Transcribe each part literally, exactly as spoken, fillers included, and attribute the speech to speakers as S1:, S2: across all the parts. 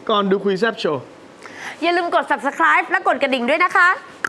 S1: ก่อนดูคุยแซบโชว์
S2: อย่าลืมกด ซับสไครบ์ และกดกระดิ่งด้วยนะคะ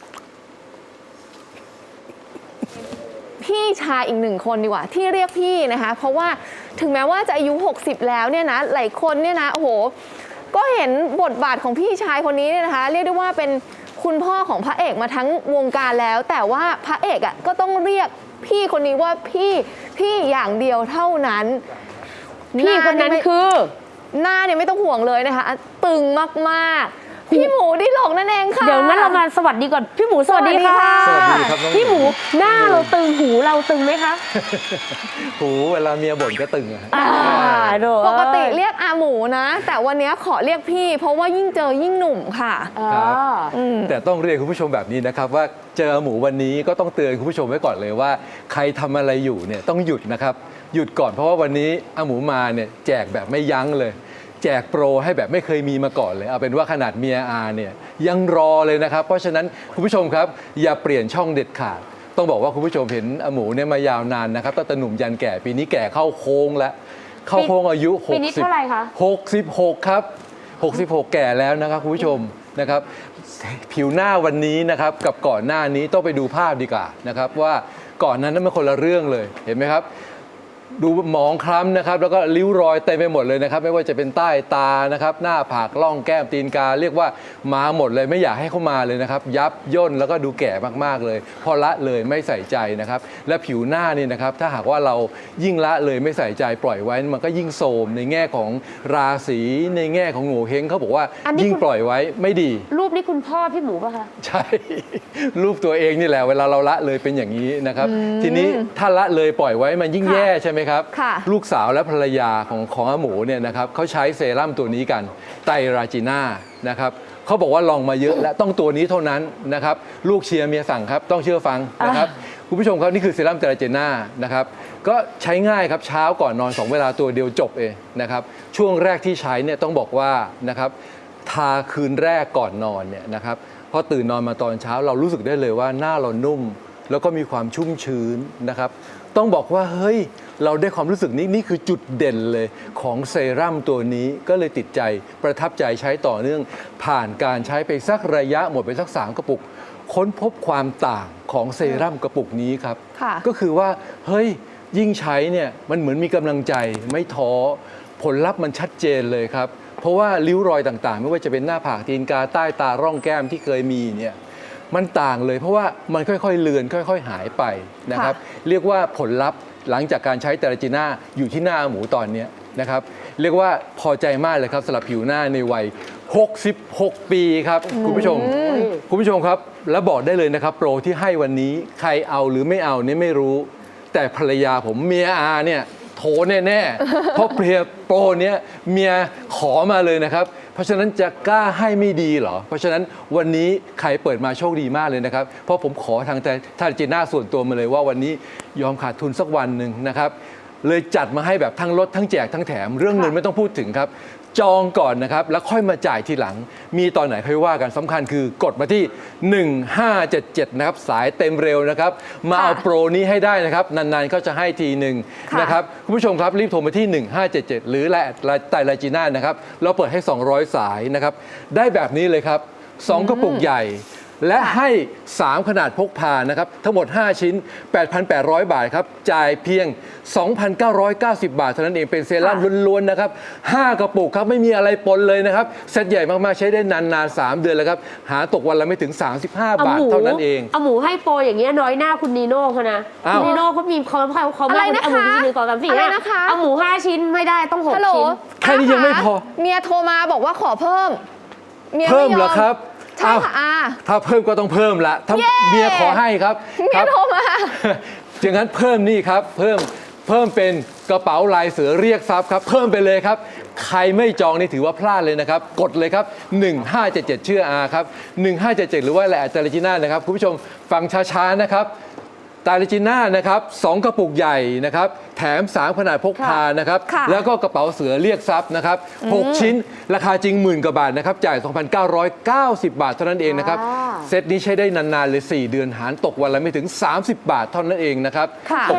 S3: พี่ชายอีกหนึ่งคนดีกว่าที่เรียกพี่นะคะเพราะว่าถึงแม้ว่าจะอายุหกสิบแล้วเนี่ยนะหลายคนเนี่ยนะโอ้โหก็เห็นบทบาทของพี่ชายคนนี้เนี่ยนะคะเรียกได้ว่าเป็นคุณพ่อของพระเอกมาทั้งวงการแล้วแต่ว่าพระเอกอ่ะก็ต้องเรียกพี่คนนี้ว่าพี่พี่อย่างเดียวเท่านั้น
S2: พี่คนนั้นคือ
S3: หน้าเนี่ยไม่ต้องห่วงเลยนะคะตึงมากๆพี่หมูดิหลกนั่นเองค่ะ
S2: เดี๋ยวงั้นเรามาสวัสดีก่อนพี่หมูสวัสดีค่ะ
S4: สวัสดีครับ
S2: พี่หมูหน้าเราตึงหูเราตึงไหมคะ
S4: หูเวลาเมียบ่นก็ตึงอะ
S3: ปกติเรียกอาหมูนะแต่วันนี้ขอเรียกพี่เพราะว่ายิ่งเจอยิ่งหนุ่มค่ะ
S4: ครับแต่ต้องเรียนคุณผู้ชมแบบนี้นะครับว่าเจอหมูวันนี้ก็ต้องเตือนคุณผู้ชมไว้ก่อนเลยว่าใครทำอะไรอยู่เนี่ยต้องหยุดนะครับหยุดก่อนเพราะว่าวันนี้อาหมูมาเนี่ยแจกแบบไม่ยั้งเลยแจกโปรให้แบบไม่เคยมีมาก่อนเลยเอาเป็นว่าขนาดเมียอาเนี่ยยังรอเลยนะครับเพราะฉะนั้นคุณผู้ชมครับอย่าเปลี่ยนช่องเด็ดขาดต้องบอกว่าคุณผู้ชมเห็นอาหมูเนี่ยมายาวนานนะครับตั้งแต่หนุ่มยันแก่ปีนี้แก่เข้าโค้งแล้วเข้าโค้งอายุหกสิบปีนี้เท่าไหร่คะหกสิบหกครับหกสิบหกแก่แล้วนะครับคุณผู้ชมนะครับผิวหน้าวันนี้นะครับกับก่อนหน้านี้ต้องไปดูภาพดีกว่านะครับว่าก่อนนั้นนั้นมันคนละเรื่องเลยเห็นไหมครับดูหมองคล้ำนะครับแล้วก็ริ้วรอยเต็มไปหมดเลยนะครับไม่ว่าจะเป็นใต้ตานะครับหน้าผากล่องแก้มตีนกาเรียกว่ามาหมดเลยไม่อยากให้เข้ามาเลยนะครับยับย่นแล้วก็ดูแก่มากๆเลยพอละเลยไม่ใส่ใจนะครับและผิวหน้านี่นะครับถ้าหากว่าเรายิ่งละเลยไม่ใส่ใจปล่อยไว้มันก็ยิ่งโทรมในแง่ของราศีในแง่ของโง่เฮงเขาบอกว่ายิ่งปล่อยไว้ไม่ดี
S2: รูปนี้คุณพ่อพี่หมูป่ะคะ
S4: ใช่รูปตัวเองนี่แหละเวลาเราละเลยเป็นอย่างนี้นะครับทีนี้ถ้าละเลยปล่อยไว้มันยิ่งแย่ใช่ไหมครับลูกสาวและภรรยาของของอาหมูเนี่ยนะครับเขาใช้เซรั่มตัวนี้กันไตรราจีน่านะครับเขาบอกว่าลองมาเยอะและต้องตัวนี้เท่านั้นนะครับลูกเชียร์เมียสั่งครับต้องเชื่อฟังนะครับคุณผู้ชมครับนี่คือเซรั่มไตรราจีน่านะครับก็ใช้ง่ายครับเช้าก่อนนอนสองเวลาตัวเดียวจบเองนะครับช่วงแรกที่ใช้เนี่ยต้องบอกว่านะครับทาคืนแรกก่อนนอนเนี่ยนะครับพอตื่นนอนมาตอนเช้าเรารู้สึกได้เลยว่าหน้าเรานุ่มแล้วก็มีความชุ่มชื้นนะครับต้องบอกว่าเฮ้ยเราได้ความรู้สึกนี้นี่คือจุดเด่นเลยของเซรั่มตัวนี้ก็เลยติดใจประทับใจใช้ต่อเนื่องผ่านการใช้ไปสักระยะหมดไปสักสามกระปุกค้นพบความต่างของเซรั่มกระปุกนี้ครับก็คือว่าเฮ้ยยิ่งใช้เนี่ยมันเหมือนมีกำลังใจไม่ท้อผลลัพธ์มันชัดเจนเลยครับเพราะว่าริ้วรอยต่างๆไม่ว่าจะเป็นหน้าผากตีนกาใต้ตาร่องแก้มที่เคยมีเนี่ยมันต่างเลยเพราะว่ามันค่อยๆเลือนค่อยๆหายไปนะครับเรียกว่าผลลัพธ์หลังจากการใช้ไตรราจีน่าอยู่ที่หน้าหมูตอนนี้นะครับเรียกว่าพอใจมากเลยครับสำหรับผิวหน้าในวัยหกสิบหกปีครับคุณผู้ชมคุณผู้ชมครับและบอกได้เลยนะครับโปรที่ให้วันนี้ใครเอาหรือไม่เอาเนี่ยไม่รู้แต่ภรรยาผมเมียอาเนี่ยโถแน่ๆเพราะเพลียโปรเนี้ยเมียขอมาเลยนะครับเพราะฉะนั้นจะกล้าให้ไม่ดีเหรอเพราะฉะนั้นวันนี้ใครเปิดมาโชคดีมากเลยนะครับเพราะผมขอทางแต่ทางจีน่าส่วนตัวมาเลยว่าวันนี้ยอมขาดทุนสักวันหนึ่งนะครับเลยจัดมาให้แบบทั้งลดทั้งแจกทั้งแถมเรื่องเงินไม่ต้องพูดถึงครับจองก่อนนะครับแล้วค่อยมาจ่ายทีหลังมีตอนไหนค่อยว่ากันสำคัญคือกดมาที่หนึ่งห้าเจ็ดเจ็ดนะครับสายเต็มเร็วนะครับมาเอาโปรนี้ให้ได้นะครับนานๆก็จะให้ทีหนึ่งนะครับคุณผู้ชมครับรีบโทรมาที่หนึ่งห้าเจ็ดเจ็ดหรือไตรราจีน่านะครับเราเปิดให้สองร้อยสายนะครับได้แบบนี้เลยครับสองกระปุกใหญ่และให้สามขนาดพกพานะครับทั้งหมดห้าชิ้น แปดพันแปดร้อย บาทครับจ่ายเพียง สองพันเก้าร้อยเก้าสิบ บาทเท่านั้นเองเป็นเซรั่มล้วนๆนะครับห้ากระปุกครับไม่มีอะไรปนเลยนะครับเซตใหญ่มากๆใช้ได้นานๆสามเดือนแล้วครับหาตกวันละไม่ถึงสามสิบห้าบาทเท่านั้นเอง
S2: เอาหมูให้โปรอย่างเงี้ยน้อยหน้าคุณนีโน่เขานะคุณนีโน่เขามีเขาเขาเขาไม่เอาหมูทีหนึ่งสองสามสี่เอาหมูห้าชิ้นไม่ได้ต้องหกชิ้น
S4: แค่นี้ยังไม่พอ
S3: เมียโทรมาบอกว่าขอเพิ่ม
S4: เพิ่มเหรอครับ
S3: ใช่ค่ะอา
S4: ถ้าเพิ่มก็ต้องเพิ่มละถ้าเมียขอให้ครับ
S3: เมียโทรมา
S4: อย่างนั้นเพิ่มนี่ครับเพิ่มเพิ่มเป็นกระเป๋าลายเสือเรียกทรัพย์ครับเพิ่มไปเลยครับใครไม่จองนี่ถือว่าพลาดเลยนะครับกดเลยครับหนึ่งห้าเจ็ดเจ็ดชื่ออาครับหนึ่งห้าเจ็ดเจ็ดหรือว่าแหละไตรราจีน่านะครับคุณผู้ชมฟังช้าๆนะครับไตรราจีน่านะครับสองกระปุกใหญ่นะครับแถมสามขนาดพกพานะครับแล้วก็กระเป๋าเสือเรียกทรัพย์นะครับหกชิ้นราคาจริงหมื่นกว่าบาทนะครับจ่าย สองพันเก้าร้อยเก้าสิบ บาทเท่านั้นเองนะครับเซตนี้ใช้ได้นานๆเลยสี่เดือนหารตกวันละไม่ถึงสามสิบบาทเท่านั้นเองนะครับ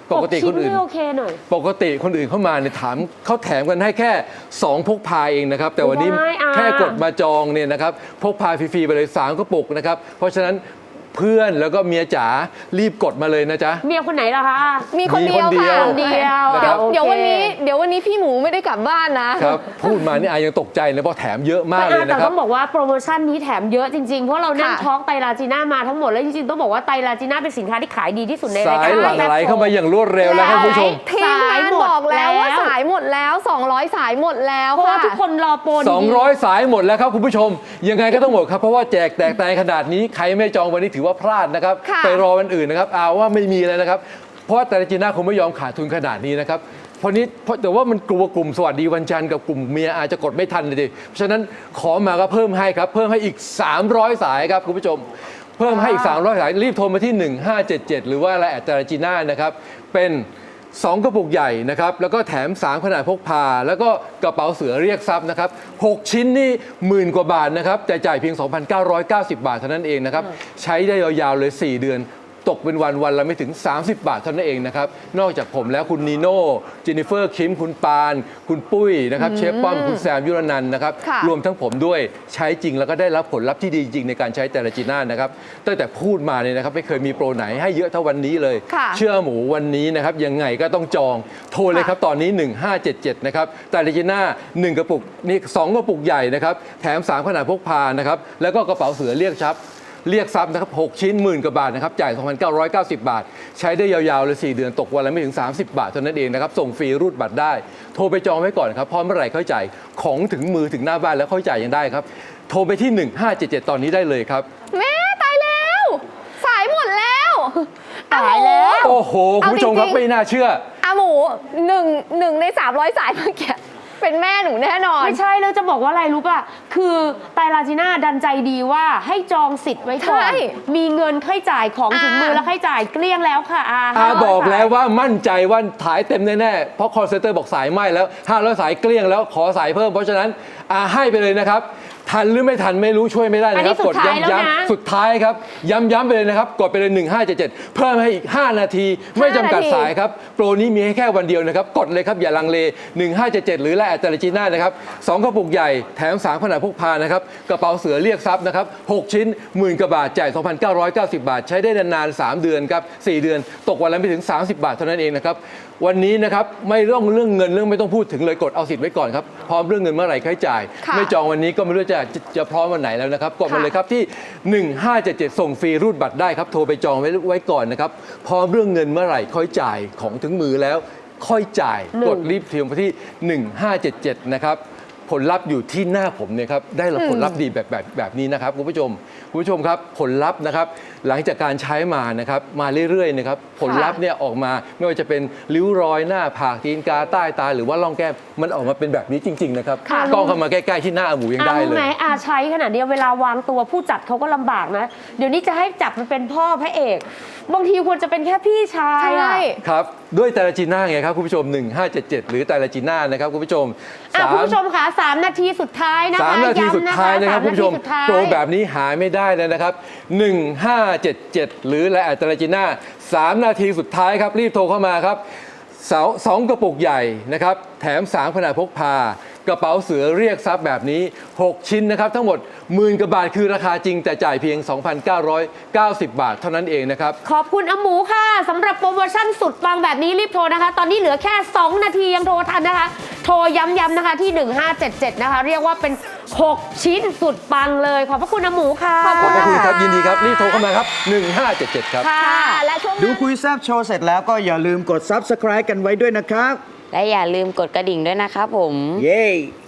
S4: ปกติคนอื่น
S2: หกชิ้ไม่โอเคหน่อย
S4: ปกติคนอื่นเข้ามาเนี่ยถามเขาแถมกันให้แค่สองพกพาเองนะครับแต่วันนี้
S2: ไม่อ่ะ
S4: แค่กดมาจองเนี่ยนะครับพกพาฟรีๆไปเลยสามกระปุกนะครับเพราะฉะนั้นเพื่อนแล้วก็เมียจ๋ารีบกดมาเลยนะจ๊ะ
S2: เมียคนไหนล่ะคะ
S3: มีคนเดียว
S4: มีคนเดียว
S3: ค่ะ
S2: คนเดียว
S3: เดี๋ยว
S2: โอเค
S3: เดี๋ยววันนี้เดี๋ยววันนี้พี่หมูไม่ได้กลับบ้านนะ
S4: ครับพูดมานี่อายังตกใจเลยเพราะแถมเยอะมาก
S2: ไม่
S4: เลย
S2: อ่ะแต่
S4: นะครั
S2: ต้
S4: บ
S2: องบอกว่าโปรโมชั่นนี้แถมเยอะจริงๆ เพราะเรานั่ง
S3: ค่ะ
S2: ท้องไตรลาจีน่ามาทั้งหมดแล้วจริงๆต้องบอกว่าไตรลาจีน่าเป็นสินค้าที่ขายดีที่สุดในราย
S4: สา
S2: การ
S4: ยหลั่งไหลเข้ามาอย่างรวดเร็วแล้วครับคุณผู้ชม
S3: ทีมงานบอกแล้วว่าสายหมดแล้ว สองร้อย สายหมดแล้ว
S2: เพราะว่า
S3: ค่ะ
S2: ทุกคนรอโปรดีๆ
S4: สองร้อยสายหมดแล้วครับคุณผู้ชม ยังไงก็ต้องหมดครับเพราะว่าแจกแตกแตนขนาดนี้ใครไม่จองวันนี้ถือว่าพลาดนะครับ
S3: ค่ะ
S4: ไปรอวันอื่นนะครับเอาว่าไม่มีเลยนะครับเพราะว่าแต่ละจีน่าคงไม่ยอมขาดทุนขนาดนี้นะครับเพราะนี้เพราะแต่ว่ามันกลัวกลุ่มสวัสดีวันจันทร์กับกลุ่มเมียอาจจะกดไม่ทันเลยดิเพราะฉะนั้นขอมาก็เพิ่มให้ครับเพิ่มให้อีกสามร้อยสายครับคุณผู้ชม เพิ่มให้อีกสามร้อยสายรีบโทรมาที่หนึ่งห้าเจ็ดเจ็ดหรือว่าไลน์แอดแต่ละจีน่านะครับเป็นสองกระปุกใหญ่นะครับแล้วก็แถมสามขนาดพกพา แล้วก็กระเป๋าเสือเรียกทรัพย์นะครับหกชิ้นนี่หมื่นกว่าบาทนะครับแต่จ่ายเพียง สองพันเก้าร้อยเก้าสิบ บาทเท่านั้นเองนะครับใช้ได้ยาวๆเลยสี่เดือนตกเป็นวันวันละไม่ถึง สามสิบ บาทเท่านั้นเองนะครับนอกจากผมแล้วคุณนีโน่เจนนิเฟอร์คิมคุณปานคุณปุ้ยนะครับเชฟป้อมคุณแซมยุรนันท์นะครับ
S3: ค่ะ
S4: รวมทั้งผมด้วยใช้จริงแล้วก็ได้รับผลลัพธ์ที่ดีจริงในการใช้แต่ละจีน่านะครับตั้งแต่พูดมาเนี่ยนะครับไม่เคยมีโปรไหนให้เยอะเท่าวันนี้เลย
S3: ค่ะ
S4: เชื่อหมูวันนี้นะครับยังไงก็ต้องจองโทรเลยครับตอนนี้หนึ่งห้าเจ็ดเจ็ดนะครับแต่ละจีน่าหนึ่งกระปุกนี่สองกระปุกใหญ่นะครับแถมสามขนาดพกพานะครับแล้วก็กระเป๋าเสือเรียกทรัพย์เรียกทรัพย์นะครับหกชิ้นหมื่นกว่าบาทนะครับจ่าย สองพันเก้าร้อยเก้าสิบ บาท ใช้ได้ยาวๆเลยสี่เดือนตกวันละไม่ถึง สามสิบ บาทเท่านั้นเองนะครับส่งฟรีรูดบัตรได้โทรไปจองไว้ก่อนครับพร้อมเมื่อไหร่ค่อยจ่ายของถึงมือถึงหน้าบ้านแล้วค่อยจ่ายยังได้ครับโทรไปที่หนึ่งห้าเจ็ดเจ็ดตอนนี้ได้เลยครับ
S3: แม่ตายแล้ว สายหมดแล้ว
S2: ตายแล้ว
S4: โอ้โหคุณผู้ชมครับ
S3: เอาจริงๆ
S4: ไม่น่าเชื่อ
S3: อาหมูหนึ่งหนึ่งในสามร้อยสายเมื่อกี้เป็นแม่หนูแน่นอน
S2: ไม่ใช่แล้วจะบอกว่าอะไรรู้ป่ะ คือไตรลาจีน่าดันใจดีว่าให้จองสิทธิ์ไว้ก่อน
S3: ใช่
S2: มีเงินค่อยจ่ายของถึงมือ
S3: อ่า
S2: แล้วค่อยจ่ายเกลี้ยงแล้วค่ะอา
S4: อา
S2: ห้าร้ย
S4: บอกแล้ว
S2: สย
S4: ว่ามั่นใจว่าถ่ายเต็มแน่ๆ เพราะคอลเซนเตอร์บอกสายไหม้แล้วห้าร้อยสายเกลี้ยงแล้วขอสายเพิ่ม เพราะฉะนั้นอาให้ไปเลยนะครับ ทันหรือไม่ทันไม่รู้ช่วยไม่ได้นะครับ
S2: อันนี้สุดท้ายแล้วนะ
S4: ย้ำๆสุดท้ายครับ ย้ำๆไปเลยนะครับ กดไปเลยหนึ่งห้าเจ็ดเจ็ดเพิ่มให้อีก ห้า นาที ไม่จำกัดสายครับ โปรนี้มีให้แค่วันเดียวนะครับ กดเลยครับอย่าลังเลหนึ่งห้าเจ็ดเจ็ดหรือไลน์แอดแต่ละจีน่านะครับสองกระปุกใหญ่แถมสามขนาดพกพานะครับกระเป๋าเสือเรียกทรัพย์นะครับหกชิ้นหมื่นกว่าบาทจ่าย สองพันเก้าร้อยเก้าสิบ บาท ใช้ได้นานๆสามเดือนครับสี่เดือนตกวันละไม่ถึง สามสิบ บาทเท่านั้นเองนะครับวันนี้นะครับไม่ต้องเรื่องเงินเรื่องไม่ต้องพูดถึงเลยกดเอาสิทธิ์ไว้ก่อนครับพร้อมเรื่องเงินเมื่อไหร่ค่อยจ่าย
S3: ค่ะ
S4: ไม่จองวันนี้ก็ไม่รู้จะจะจะพร้อมวันไหนแล้วนะครับกดมา
S3: ค่ะ
S4: เลยครับที่หนึ่งห้าเจ็ดเจ็ดส่งฟรีรูดบัตรได้ครับโทรไปจองไว้ไว้ก่อนนะครับพร้อมเรื่องเงินเมื่อไหร่ค่อยจ่ายของถึงมือแล้วค่อยจ่าย
S2: หนึ่ง
S4: กดรีบเทียมไปที่หนึ่งห้าเจ็ดเจ็ดนะครับผลลัพธ์อยู่ที่หน้าผมเนี่ยครับได้รับผลลัพธ์ดีแบบแบบแบบนี้นะครับคุณผู้ชมคุณผู้ชมครับผลลัพธ์นะครับหลังจากการใช้มานะครับมาเรื่อยๆนะครับผลลัพธ์เนี่ยออกมาไม่ว่าจะเป็นริ้วรอยหน้าผากตีนกาใต้ตาหรือว่าร่องแก้มมันออกมาเป็นแบบนี้จริง ๆ นะครับ
S2: ค่ะ
S4: กล้องเข้ามาใกล้ๆที่หน้าอาหมูยัง
S2: อา
S4: ได้
S2: รู้
S4: เลย
S2: ไหมอาใช้ขนาดเดียวเวลาวางตัวผู้จัดเขาก็ลำบากนะ เดี๋ยวนี้จะให้จับมันเป็นพ่อพระเอก บางทีควรจะเป็นแค่พี่ชาย
S3: ใช่
S2: อะ
S4: ครับด้วยไตรจีน่าไงครับคุณผู้ชมหนึ่งห้าเจ็ดเจ็ดหรือไตรจีน่านะครับคุณผู้ชม
S2: อ่ะ
S4: สาม
S2: คุณผู้ชมค่ะสามนาทีสุดท้ายนะคะ
S4: สามนาทีสุดท้ายนะครับ
S2: ำ
S4: คุณผู้ชม
S2: สานาทีสุดท้าย
S4: โปรแบบนี้หาไม่ได้เลยนะครับหนึ่งห้าเจ็ดเจ็ดหรือไลน์แอดไตรจีน่าสามนาทีสุดท้ายครับรีบโทรเข้ามาครับเสาสองกระปุกใหญ่นะครับแถมสามขนาดพกพากระเป๋าเสือเรียกทรัพย์แบบนี้หกชิ้นนะครับทั้งหมดหมื่นกว่าบาทคือราคาจริงแต่จ่ายเพียง สองพันเก้าร้อยเก้าสิบ บาทเท่านั้นเองนะครับ
S2: ขอบคุณอาหมูค่ะสำหรับโปรโมชั่นสุดปังแบบนี้รีบโทรนะคะ ตอนนี้เหลือแค่ สอง นาทียังโทรทันนะคะ โทรย้ำๆนะคะที่หนึ่งห้าเจ็ดเจ็ดนะคะเรียกว่าเป็นหกชิ้นสุดปังเลยขอบพระคุณอาหมูค่ะ
S3: ขอบ
S4: ขอบพระคุณครับ
S3: ค่ะ
S4: ยินดีครับรีบโทรเข้ามาครับหนึ่งห้าเจ็ดเจ็ดครับ
S2: ค่ะ
S3: ค่ะและช่วงห
S1: ดู
S3: น้า
S1: คุยแซบโชว์เสร็จแล้วก็อย่าลืมกด ซับสไครบ์ กันไว้ด้วยนะครับ
S5: และอย่าลืมกดกระดิ่งด้วยนะครับผม
S1: เย้